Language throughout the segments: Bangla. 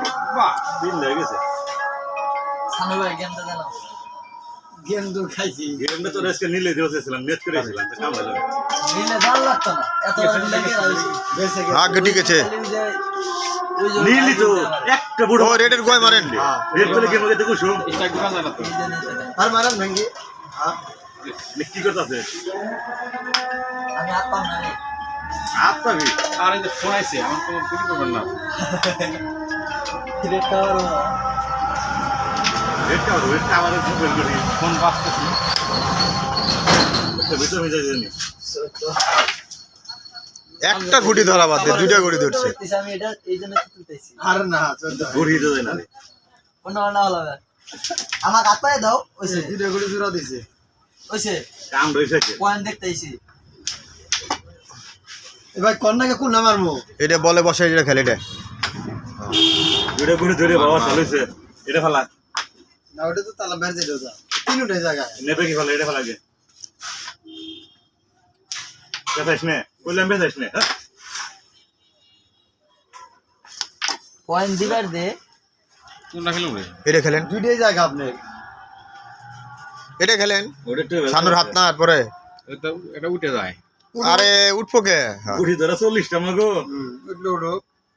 বাহ দিন লেগে গেছে সানু ভাই গেমটা জানো গেন্দু খাইছি গেমটা তো রেস্কে নিলে দিয়েছিলাম নেট করেছিলাম তো কাম হলো নিলে জাল লাগতো না এত নিলে কি রাইছি বেঁচে আগে ঠিক আছে নীলি তো একটা বুড়ো ও রেডের গোয় মারেন রেড করে গেম আগে দেখো শুন আর মারান ভেঙ্গি হ্যাঁ কি করতেছে আমি হাত পাম না রে আপনি আরে যে ফোন আইছে আমার কোনো গুলি করবেন না রে কারো রেড আমাদের ফুটবল করি ফোন বাজতেছে একটা ভিতরে হয়ে যায় জানি একটা গুটি ধরা বাদ দিয়ে দুইটা গুটি ধরছে আমি এটা এই জন্য তুলতেছি আর না চোদ্দ গড়িয়ে দেয় না কোন না হলো আমার হাতে দাও ওইছে দুটো গুলি জোড়া দিছে ওইছে কাম রইছে পয়েন্ট দেখতেইছি এবার কন্যাকে কোন নাম মারমু এটা বলে বসে এটা খেলে এটা দুটো করে ধরে বাবা চালুছে এটা ফেলা না ওটা তো তালা বের দিলো যা তিনটে জায়গায় নেবে কি ফেলা এটা ফেলা গে বেতাইস নে কইলাম বেতাইস নে পয়েন্ট দিবার দে কোনটা খেলুম রে এটা খেলেন দুইটাই জায়গা আপনি এটা খেলেন ওটা একটু সানুর হাত না পরে এটা উঠে যায় আরে উঠবো কে হ্যাঁ। গুড়ি ধরা 40 টা মাগো উঠলো উঠো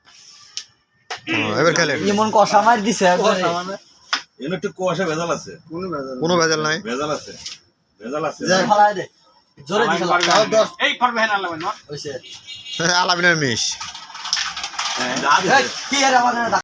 এবার খেলেন এমন কষা মার দিছে একবারে সামানে এনে একটু কুয়াশা ভেজাল আছে কোনো ভেজাল কোনো ভেজাল নাই ভেজাল আছে ভেজাল আছে যাই। ফলাই দে জোরে দিছে তাও 10 এই পারবে হ্যাঁ আল্লাহ না ওইছে আলামিনের মিশ যা দিছে। কি এর আমাদের